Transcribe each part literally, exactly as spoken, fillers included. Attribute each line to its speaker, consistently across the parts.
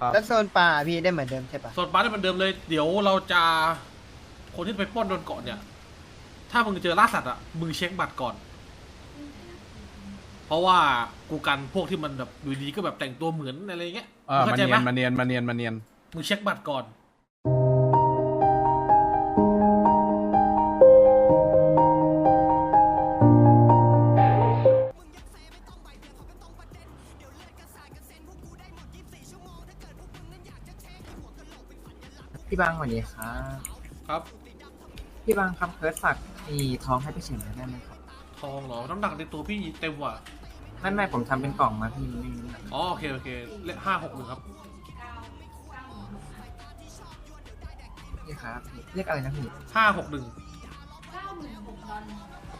Speaker 1: ครับ
Speaker 2: แล้วโซนป่าพี่ได้เหมือนเดิมใช่ปะ
Speaker 3: โซนปาร์ตเหมือนเดิมเลยเดี๋ยวเราจะคนที่ไปปล้นโดนเกาะเนี่ยถ้ามึงเจอล่าสัตว์อ่ะมึงเช็คบัตรก่อน เพราะว่ากูกันพวกที่มันแบบอยู่ดีก็แบบแต่งตัวเหมือนอะไรเงี้ย
Speaker 1: เออ
Speaker 3: เข้า
Speaker 1: มา
Speaker 3: ใจ
Speaker 1: เนี
Speaker 3: ไห
Speaker 1: ย
Speaker 3: ม
Speaker 1: นมาเนียนมาเนียนมาเนียน
Speaker 3: มึงเช็คบัตรก่อน
Speaker 4: พี่บางสวัสดีครับ
Speaker 3: ครับ
Speaker 4: พี่บางครับเพิร์ดฝากอีทองให้พี่เฉินหน่อยได้ไหมครับ
Speaker 3: ทองเหรอน้ำหนักในตัวพี่เต็มว่ะ
Speaker 4: ไม่ไม่ผมทำเป็นกล่องมาพี่ไม่มีน้ำหนัก
Speaker 3: อ๋อโอเคโอเคเลขห้าหกหนึ่งครับ
Speaker 4: พี่ครับเรียกอะไรนะพี่
Speaker 3: ห้าหกหนึ่ง
Speaker 5: เก้าหมื่นหกดอล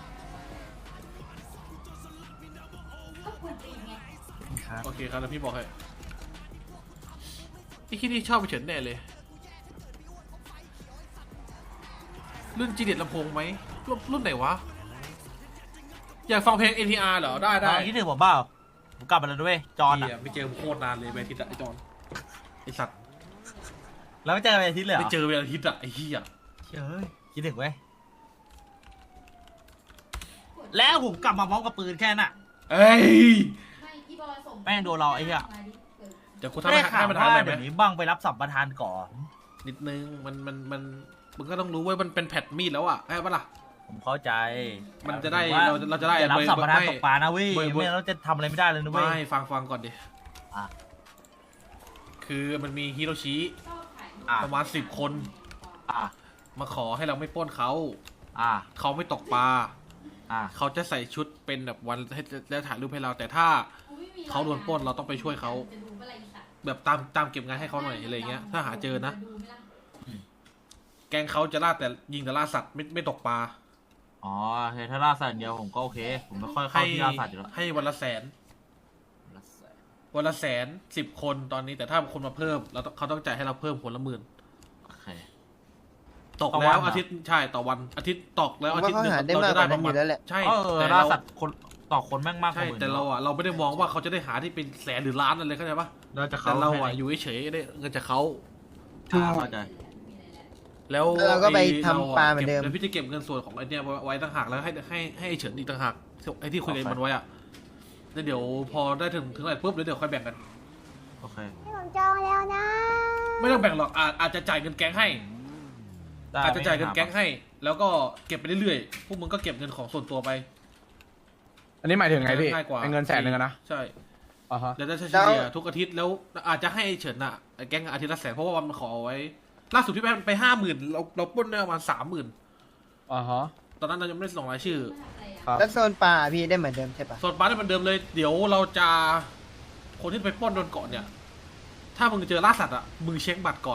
Speaker 5: ก็ควรตีไง
Speaker 4: พี่ครับ
Speaker 3: โอเคครับแล้วพี่บอกให้ไอ้ที่นี่ชอบไปเฉินแน่เลยรุ่นจีเด็ดลำโพงไหมรุ่นรุ่นไหนวะอยากฟังเพลง เอ็น ที อาร์ เหรอได้ได้
Speaker 6: คิดถึงผมเปล่าผมกลับมาแล้วด้วยจอน
Speaker 3: เหี้
Speaker 6: อ่ะ
Speaker 3: ยไม่เจอโคตรนานเลยไปอาทิตย์อะไอจอนไอสัตว์
Speaker 6: แล้วไม่เจอกันเป็นอาทิตย์เลยเหร
Speaker 3: ไม่
Speaker 6: อ
Speaker 3: เจอเป็นอาทิตย์อะไอเหี้ย
Speaker 6: เฮ้ยคิดถึงเว้ยแล้วผมกลับมาพร้อมกับปืนแค่น่ะ
Speaker 3: เอ้ย
Speaker 5: ไม่พี่บอยส่ง
Speaker 6: แม่งโดนเราไอ้เหี้ย
Speaker 5: มาดิเออ
Speaker 3: เดี๋ยวกู
Speaker 6: ไม่
Speaker 3: ทำให้
Speaker 6: ได้ข่า
Speaker 3: ให้
Speaker 6: ว
Speaker 3: มันหา
Speaker 6: ว่าย
Speaker 3: ไหม
Speaker 6: เดี๋ยวนี้บ้างไปรับสัมปทานก่อน
Speaker 3: นิดนึงมันมันมันมึงก็ต้องรู้ว่ามันเป็นแผ่นมีดแล้วอะใช่ปะล่ะ
Speaker 6: ผมเข้าใจ
Speaker 3: มันจะได้
Speaker 6: แต่
Speaker 3: เราเราจะได้
Speaker 6: อย่ารับสัมปทาน
Speaker 3: ไม่
Speaker 6: ตกปลานะเว้ย
Speaker 3: ไม่ไม่
Speaker 6: ไม่งั้นเราจะทำอะไรไม่ได้เลยนะเว้ย
Speaker 3: ไม่ฟังฟังก่อนดิ
Speaker 6: อ่ะ
Speaker 3: คือมันมีฮิโรชิ
Speaker 5: ชอบขาย
Speaker 6: อ่ะ
Speaker 3: ประมาณสิบคน
Speaker 6: อ่ะ
Speaker 3: มาขอให้เราไม่ปล้นเขา
Speaker 6: อ่ะ
Speaker 3: เขาไม่ตกปลา
Speaker 6: อ่ะ
Speaker 3: เขาจะใส่ชุดเป็นแบบวันให้แล้วถ่ายรูปให้เรา แต่ถ้า
Speaker 5: กูไม่มี
Speaker 3: เขาโดนปล้นเราต้องไปช่วยเขา
Speaker 5: จะดูอะไรอีกอะ
Speaker 3: แบบตามตามเก็บงานให้เขาหน่อยอะไรเงี้ยถ้าหาเจอนะ
Speaker 5: ดูไหมล่ะ
Speaker 3: แกงเขาจะล่าแต่ยิงแต่ล่าสัตว์ไม่ไม่ตกปลา
Speaker 6: อ๋อโอเคถ้าล่าสัตว์อย่างเดียวผมก็โอเค ผมไม่ค่อยเข้า
Speaker 3: ให้
Speaker 6: ที่ล่าสัตว์อยู่แล้ว
Speaker 3: ให้วันละแสน วันละแสนสิบคนตอนนี้แต่ถ้าคนมาเพิ่มเราต้องเขาต้องจ่ายให้เราเพิ่มคนละหมื่น
Speaker 6: โอเค
Speaker 3: ตก
Speaker 6: ต่อวั
Speaker 3: แล้
Speaker 6: น
Speaker 3: ว
Speaker 6: เหรอ
Speaker 3: อาทิตย์ใช่ต่อวันอาทิตย์ตกแล้ว
Speaker 2: ผม
Speaker 3: อา
Speaker 2: ว่า
Speaker 3: ทิตย์
Speaker 2: เขา
Speaker 3: หนึ่ง
Speaker 2: หาได้
Speaker 3: เรา
Speaker 2: มาก
Speaker 3: จะ
Speaker 2: ก
Speaker 3: ได้
Speaker 2: ว่า
Speaker 3: ป ระมาณ
Speaker 2: นั้นอยู่แล้วแหละ
Speaker 3: ใช่
Speaker 6: เออ
Speaker 3: แต่
Speaker 6: ล่า
Speaker 3: เรา
Speaker 6: สัตว์คนต่อคนแม่งมากก
Speaker 3: ใช่
Speaker 6: ว่าหมื่น
Speaker 3: แต่เราอ่ะเราไม่ได้มองว่าเขาจะได้หาที่เป็นแสนหรือล้านอะไรเข้าใจปะ
Speaker 6: เราจะ
Speaker 3: แต่
Speaker 6: เขา
Speaker 3: เราอ่ะอยู่เฉยๆได้เงินจากเขา
Speaker 6: อ่าเข้าใจ
Speaker 3: แล้ว
Speaker 2: แล้วเราก็ไป
Speaker 3: อ้
Speaker 2: ทำปลาเหมือนเดิม
Speaker 3: ก็บดี๋ยวพี่จะเก็บเงินส่วนของไอ้เนี่ยไว้ต่างหากแล้วให้ให้ให้ไอ้เฉินอีกต่างหากไอ้ที่คุยกันมันไว้อ่ะแล้วเดี๋ยวพอได้ถึงถึงไหนปุ๊บเดี๋ยวเดี๋ยวค่อยแบ่งกัน
Speaker 6: โอเค
Speaker 7: ผมจองแล้วนะ
Speaker 3: ไม่ต้องแบ่งหรอกอาจอาจจะจ่ายเงินแก๊งให้
Speaker 6: ได้
Speaker 3: อาจจะจ่ายเงินแก๊ง
Speaker 6: ไม่
Speaker 3: ให้ แล้วก็เก็บไปเรื่อยๆพวกมึงก็เก็บเงินของส่วนตัวไป
Speaker 1: อันนี้หมายถึงไงพี่
Speaker 3: ง่ายกว่า
Speaker 1: ไอ้เงินแสนหนึ่งอะนะ
Speaker 3: ใช่
Speaker 1: อ่าฮะ
Speaker 3: แล้วจะเฉ
Speaker 2: แล้ว
Speaker 3: ลี่ยทุกอาทิตย์แล้วอาจจะให้ไอ้เฉินอ่ะไอ้แก๊งอาทิตย์ละแสนเพราะว่ามันขอเอาไว้ล่าสุดพี่ไปไปห้าหมื่นเราเราปล้นได้ประมาณสามหมื่น
Speaker 1: อ่าฮะ
Speaker 3: ตอนนั้นเรายังไม่ได้ส่งรายชื่อ
Speaker 1: ครับ
Speaker 2: แล้วโซนป่าพี่ได้เหมือนเดิมใช่ปะ
Speaker 3: ส่วนปาร์ตเหมือนเดิมเลยเดี๋ยวเราจะคนที่ไปปล้นโดนเกาะเนี่ย ถ้ามึงเจอล่าสัตว์อ่ะมึงเช็คบัตรก่อน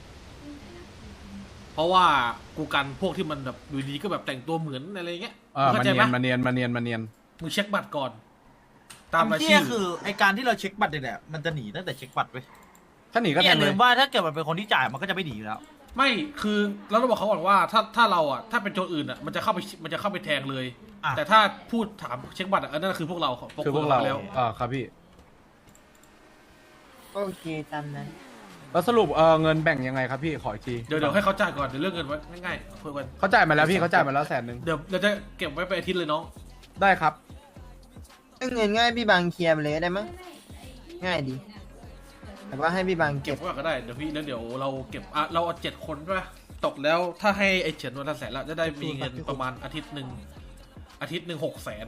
Speaker 3: เพราะว่ากูกันพวกที่มันแบบอยู่ดีก็แบบแต่งตัวเหมือนอะไรเงี้ย
Speaker 1: เออ
Speaker 3: มึง
Speaker 1: มา
Speaker 3: เข้าใจ
Speaker 1: เนี
Speaker 3: ไห
Speaker 1: ย
Speaker 3: ม
Speaker 1: นมาเนียนมาเนียนมาเนียน
Speaker 3: มึงเช็คบัตรก่อน ตามราย
Speaker 6: ที่
Speaker 3: ชื่อ
Speaker 6: คือไอการที่เราเช็คบัตรเนี่ยมันจะหนีตั้งแต่เช็คบัตรเว้ย
Speaker 1: ถ้าหนีก็
Speaker 6: นี่
Speaker 1: แท
Speaker 6: อย่าง
Speaker 1: เล
Speaker 6: ลื
Speaker 1: ย
Speaker 6: มว่าถ้าเกิดมันเป็นคนที่จ่ายมันก็จะไม่หนีอยู่แล้ว
Speaker 3: ไม่คือเราต้องบอกเขาก่อนว่าถ้าถ้าเราอ่ะถ้าเป็นโจรอื่นอ่ะมันจะเข้าไปมันจะเข้าไปแทงเลย
Speaker 6: อ่ะ
Speaker 3: แต่ถ้าพูดถามเช็คบัตรอ่ะอันนั่นคือพวกเรา
Speaker 1: คือพวกเรา
Speaker 3: แล้ว
Speaker 1: อ่าครับพี่
Speaker 2: โอเคตามนั้น
Speaker 1: แล้วสรุปเออเงินแบ่งยังไงครับพี่ขออีกที
Speaker 3: เดี๋ยวเดี๋ยวให้เขาจ่ายก่อนเดี๋ยวเรื่องเงินไว้ง่ายๆคุยกัน
Speaker 1: เขาจ่ายมาแล้วพี่เขาจ่ายมาแล้วแสนหนึ่ง
Speaker 3: เดี๋ยวเราจะเก็บไว้ไปอาทิตย์เลยน้อง
Speaker 1: ได้ครับ
Speaker 2: ถ้าเงินง่ายพี่บางเคลียร์ไปเลยได้มั้ยง่ายดีแต่ว่าให้พี่บาง
Speaker 3: เก็
Speaker 2: เก็
Speaker 3: บบ ไว้ก่อนก็ได้เดี๋ยวพี่แล้วเดี๋ยวเราเก็บอ่ะเราเอาเจ็ดคนใช่ปะตกแล้วถ้าให้ไอ้เฉินวันละแสนละจะได้มีเงินประมาณอาทิตย์หนึ่งอาทิตย์หนึ่งหกแสน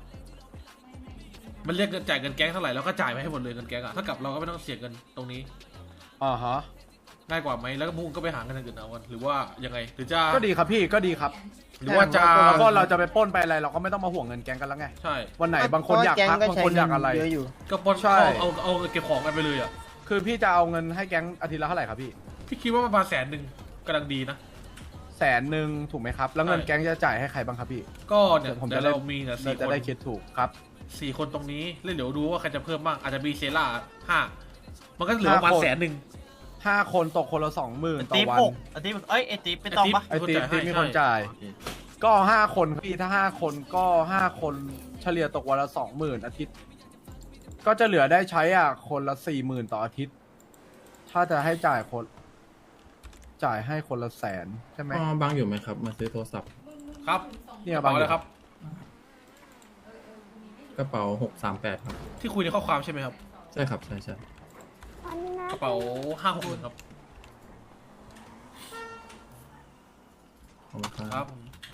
Speaker 3: มันเรียกเงินจ่ายเงินแก๊งเท่าไหร่แล้วก็จ่ายไปให้หมดเลยเงินแก๊งอ่ะถ้ากับเราก็ไม่ต้องเสียเงินตรงนี้
Speaker 1: อ่าฮะ
Speaker 3: ง่ายกว่าไหมแล้วก็พวกมึงก็ไปหาเงินอย่างอื่นเอากันหรือว่ายังไงหรือจะ
Speaker 1: ก็ดีครับพี่ก็ดีครับ
Speaker 3: หรือว่าจะ
Speaker 1: แล้วก็เราจะไปปล้นไปอะไรเราก็ไม่ต้องมาห่วงเงินแกงกันแล้วไง
Speaker 3: ใช่
Speaker 1: วันไหนบางคนอยากพักบางคนอยากอะไร
Speaker 2: เยอะอยู่
Speaker 3: ก็ปน
Speaker 1: ใช่
Speaker 3: เอาเอาเอาเก็บของกันไปเลยอ่ะ
Speaker 1: คือพี่จะเอาเงินให้แก๊งอาทิตย์ละเท่าไหร่ครับพี่
Speaker 3: พี่คิดว่าประมาณแสนหนึ่งกำลังดีนะ
Speaker 1: แสนหนึ่งถูกไหมครับ แล้วเงิน
Speaker 3: ใช่
Speaker 1: แก๊งจะจ่ายให้ใครบ้างครับพี่
Speaker 3: ก็เนี่ย
Speaker 1: ผม
Speaker 3: เดี๋
Speaker 1: จะ
Speaker 3: ยว
Speaker 1: ได้
Speaker 3: เรามีเนี่ย
Speaker 1: เรา
Speaker 3: สี่ค
Speaker 1: จะ
Speaker 3: น
Speaker 1: ได้คิดถูกครับ
Speaker 3: สี่คนตรงนี้แล้วเดี๋ยวดูว่าใครจะเพิ่มบ้างอาจจะมีเซล่าห้ามันก็เหลือประมาณ
Speaker 1: ห้าคน
Speaker 3: แสนหนึ่ง
Speaker 1: ห้าคนตกคนละสองหมื่นต่อ
Speaker 6: ติ๊บ
Speaker 1: วั
Speaker 6: ห
Speaker 1: น
Speaker 6: กไอติ๊บเอ้ยไอติ๊บเป็นต้องปะ
Speaker 1: ไอติ๊บ
Speaker 3: ให้
Speaker 1: ติ๊บมี
Speaker 3: ใช่
Speaker 1: คนจ่าย
Speaker 6: โอเค
Speaker 1: ก็ห้าคนพี่ถ้าห้าคนก็ห้าคนเฉลี่ยตกวันละสองหมื่นอาทิตย์ ก็จะเหลือได้ใช้อ่ะคนละสี่หมื่นต่ออาทิตย์ถ้าจะให้จ่ายคน จ่ายให้คนละแสนใช่ไหม
Speaker 7: อ๋อบางอยู่ไหมครับ มาซื้อโทรศัพท์
Speaker 3: ครับ
Speaker 1: เนี่ย
Speaker 3: กระเป๋าเลยครับ
Speaker 7: กระเป๋าหกสามแปดครับ
Speaker 3: ที่คุยในข้อความใช่ไหมครับ
Speaker 7: ใช่ครับ ใช่ใช่
Speaker 3: กระเป๋าห้าหกหนึ่งครับ
Speaker 7: ขอบคุณ
Speaker 3: ค
Speaker 7: ค
Speaker 3: รั
Speaker 7: รั
Speaker 3: บบ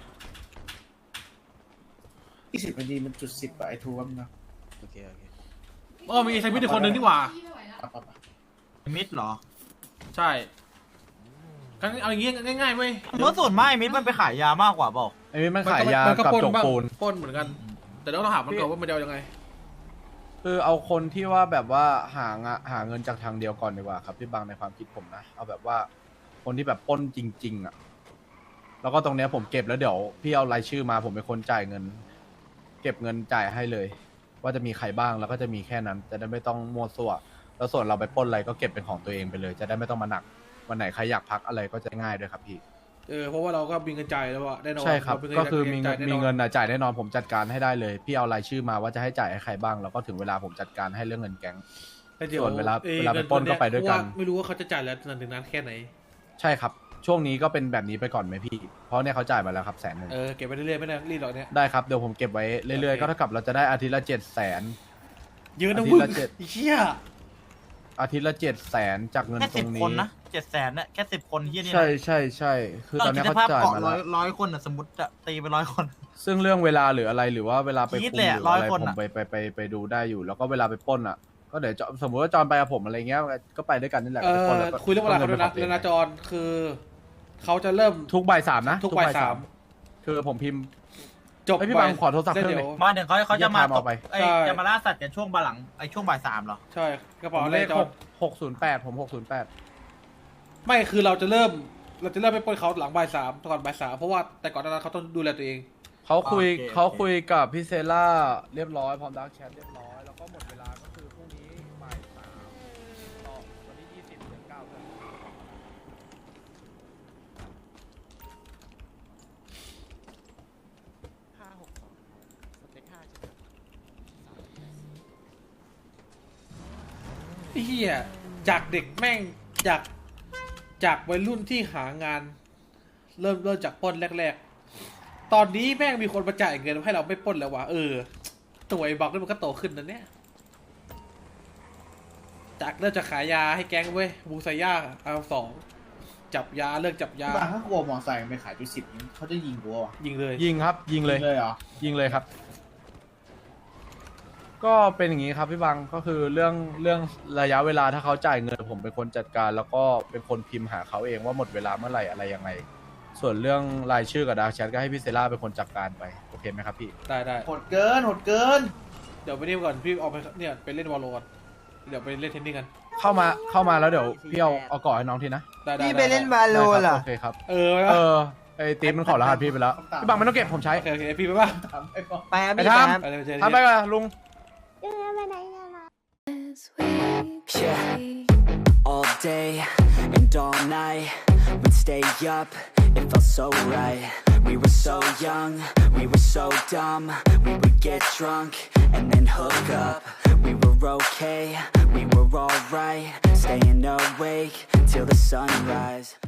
Speaker 8: ยี่สิบนาทีมันจุดสิบอะไอทูว่ามันนะ
Speaker 9: โอเค โอเค
Speaker 3: อ๋อมีไซมิดอีกคนนึงนี่หว่า
Speaker 5: พี่ไม่ไหวแล้ว
Speaker 8: ปะปะปะ
Speaker 6: มิดเหรอ
Speaker 3: ใช่กันเอาอย่างงี้ง่ายๆเว้ย
Speaker 6: เมื่อส่วนมากมิดมันไปขายยามากกว่าบอก
Speaker 1: ไอ้นี่มันขายยา
Speaker 3: มัน
Speaker 1: กับ
Speaker 3: ปล้น
Speaker 1: จก
Speaker 3: บ้าง
Speaker 1: ปูน
Speaker 3: ปล้นเหมือนกัน แต่ต้องถามมันก่อนว่ามันจะเอายังไง
Speaker 1: คือเอาคนที่ว่าแบบว่าหางะหาเงินจากทางเดียวก่อนดีกว่าครับพี่บางในความคิดผมนะ เอาแบบว่าคนที่แบบปล้นจริง ๆ อ่ะ แล้วก็ตรงเนี้ยผมเก็บแล้วเดี๋ยวพี่เอารายชื่อมาผมเป็นคนจ่ายเงิน เก็บเงินจ่ายให้เลย ว่าจะมีใครบ้างแล้วก็จะมีแค่นั้น จะได้ไม่ต้องมั่วซั่วแล้วส่วนเราไปปล้นอะไรก็เก็บเป็นของตัวเองไปเลย จะได้ไม่ต้องมาหนักวันไหนใครอยากพักอะไรก็จะง่ายด้วยครับพี่
Speaker 3: เออเพราะว่าเราก็มีเงินจ่ายแล้วอะแน่นอน
Speaker 1: ใช่ครับ
Speaker 3: เาเป็น
Speaker 1: ก็คือมี
Speaker 3: จ่ายแน่นอน
Speaker 1: มีเงินน่ะจ่ายแน่นอนผมจัดการให้ได้เลย พี่เอารายชื่อมาว่าจะให้จ่ายให้ใครบ้างแล้วก็ถึงเวลาผมจัดการให้เรื่องเงินแก๊ง
Speaker 3: แต่ดี๋ย
Speaker 1: ส่วนเวลา
Speaker 3: อ้ย
Speaker 1: เวลาไปปล้นก็ไปด้วยกัน
Speaker 3: เพราะาไม่รู้ว่าเขาจะจ่ายแล้วนานถึงนานแค่ไหน
Speaker 1: ใช่ครับ ช่วงนี้ก็เป็นแบบนี้ไปก่อนไหมพี่ เพราะเนี่ยเขาจ่ายมาแล้วครับแสนหนึ่ง
Speaker 3: เออเก็บไปเรื่อยๆไม่ได้รีบหรอกเนี่ย
Speaker 1: ได้ครับเดี๋ยวผมเก็บไว้เรื่อยๆ
Speaker 3: โอเค
Speaker 1: ก็เท่ากับเราจะได้อาทิตย์ละเจ็ดแสน
Speaker 3: เยอะนะ
Speaker 1: อาทิต
Speaker 3: มึ
Speaker 1: ย์
Speaker 3: ง
Speaker 1: ละเจ็ด
Speaker 3: ไอ้เหี้ย
Speaker 1: อาทิตย์ละเจ็ดแสนจากเงิน
Speaker 6: แค่
Speaker 1: ตร
Speaker 6: สิบ
Speaker 1: ง
Speaker 6: คน
Speaker 1: นี้
Speaker 6: นะเจ็ดแสนเนี่ยแค่สิบคนเฮียนี่นะ
Speaker 1: ใช่ใช่ใช่คือตอนนี้
Speaker 6: คิด
Speaker 1: เขา
Speaker 6: สภาพ
Speaker 1: จ่าย
Speaker 6: เกาะ
Speaker 1: มา
Speaker 6: ร้
Speaker 1: แล้
Speaker 6: อยว ร้อยคนอ่ะสมมติจะตีไปร้อยคน
Speaker 1: ซึ่งเรื่องเวลาหรืออะไรหรือว่าเวลาไป
Speaker 6: คิด
Speaker 1: คุม
Speaker 6: เลย
Speaker 1: ห
Speaker 6: อะ
Speaker 1: รืออะไร
Speaker 6: ร้อยคน
Speaker 1: ผม
Speaker 6: อะ
Speaker 1: ไปไปไปไปดูได้อยู่ แล้วก็เวลาไปปล้นอ่ะ ก็เดี๋ยวจะสมมติว่าจอนไปกับผมอะไรเงี้ยก็ไปด้วยกันนี่แหละ
Speaker 3: เอ
Speaker 1: ไปปล้น
Speaker 3: อ
Speaker 1: แล้วก็
Speaker 3: คุยเรื่องเวลาเขาด้วยนะ
Speaker 1: ปล้
Speaker 3: เรื่อง
Speaker 1: งิ
Speaker 3: นา
Speaker 1: ไป
Speaker 3: จรคือเขาจะเริ่ม
Speaker 1: ทุกบ่ายสามนะ
Speaker 3: ทุกบ่ายสาม
Speaker 1: คือผมพิมพ์
Speaker 3: จบ
Speaker 1: เอ้ยพี่บังขอโทรศัพท์
Speaker 3: แล้ว
Speaker 1: เครื่อง
Speaker 3: เดี๋
Speaker 1: ห
Speaker 3: ย
Speaker 1: นึ่
Speaker 3: ว
Speaker 1: ง
Speaker 6: มาถึงเขาเขาจะมา
Speaker 1: อย่าพามาเอาไป
Speaker 6: ไอ้
Speaker 3: ใช่
Speaker 6: จะมาล่าสัตว์กันช่วงบ่ายหลังไอ้ช่วงบ่ายสามเหรอ
Speaker 3: ใช่กระ
Speaker 1: ผ
Speaker 3: เป๋าม
Speaker 1: เล
Speaker 3: เล
Speaker 1: ข
Speaker 3: ขจ
Speaker 1: ห
Speaker 3: อน
Speaker 1: กหกศูนย์แปดผมหกศูนย์แปด
Speaker 3: ไม่คือเราจะเริ่ม เราจะเริ่มไปปล้นเขาหลังบ่ายสามก่อนบ่ายสามเพราะว่าแต่ก่อนหนานั้นเขาต้องดูแลตัวเอง
Speaker 1: เขาคุย
Speaker 6: โอเค
Speaker 1: เขาคุยกับพี่เซล่าเรียบร้อยพร้อมดักแชทเรียบร้อยแล้วก็หมดเวลาก็คือพรุ่งนี้บ่ายสามต่อวันที่ยี่สิบเดือนเก้าเพื่อน
Speaker 9: ห้าหกสองสเต็กห้าใช่ไหม
Speaker 3: ไอ้เฮียจากเด็กแม่งจากจากวัยรุ่นที่หางาน เริ่มเริ่มจากปล้นแรกๆ ตอนนี้แม่งมีคนมาจ่ายเงินให้เราไม่ปล้นแล้ววะเออตัวไอ้บักนี่มันก็โตขึ้นนะเนี่ยจากเริ่มจะขายยาให้แก๊งเว้ยบูไซย่าเอาสองจับยาเลิกจับยา
Speaker 8: บางถ้ากลัวมอไซค์ไปขายจุดสิบนี้เขาจะยิงกูวะ
Speaker 3: ยิงเลย
Speaker 1: ยิงครับ ยิงเลย
Speaker 8: เลยเหรอ
Speaker 1: ยิงเลยครับ ก็เป็นอย่างนี้ครับพี่บังก็คือเรื่องเรื่องระยะเวลาถ้าเขาจ่ายเงินผมเป็นคนจัดการ แล้วก็เป็นคนพิมพ์หาเขาเองว่าหมดเวลาเมื่อไหร่อะไรยังไง ส่วนเรื่องรายชื่อกับดาร์กแชทก็ให้พี่เซล่าเป็นคนจัดการไปโอเคไหมครับพี่
Speaker 3: ได้ได้
Speaker 8: โหดเกินโหดเกิน
Speaker 3: เดี๋ยวไปนี่ก่อนพี่ออกไปเนี่ยไปเล่นวอลโลก่อนเดี๋ยวไปเล่นเทนนิสกัน
Speaker 1: เข้ามาเข้ามาแล้วเดี๋ยวพี่เอาเอาก่อให้น้องทีนะ
Speaker 3: ได้ได้
Speaker 2: พี่ไปเล่น
Speaker 3: ด้
Speaker 2: บาโล
Speaker 1: ได้ครับ
Speaker 2: เหรอ
Speaker 1: โอเคครับ
Speaker 3: เออ
Speaker 1: เออไอ้ตีมมันขอรหัสพี่ไปแล้วพี่บังไม่ต้องเก็บผมใช้
Speaker 3: โอเคโอเคพี่ไปป่ะ
Speaker 8: ทำไอ้บอ
Speaker 2: ไปครับ
Speaker 1: ไป
Speaker 2: พี่
Speaker 1: ทำ
Speaker 2: ไปครับ
Speaker 3: ไปเลยไปเจอ
Speaker 1: ทำไปก่อนลุง
Speaker 10: Yeah, all day and all night, we'd stay up, it felt so right. We were so young, we were so dumb, we would get drunk and then hook up. We were okay, we were alright, staying awake till the sunrise.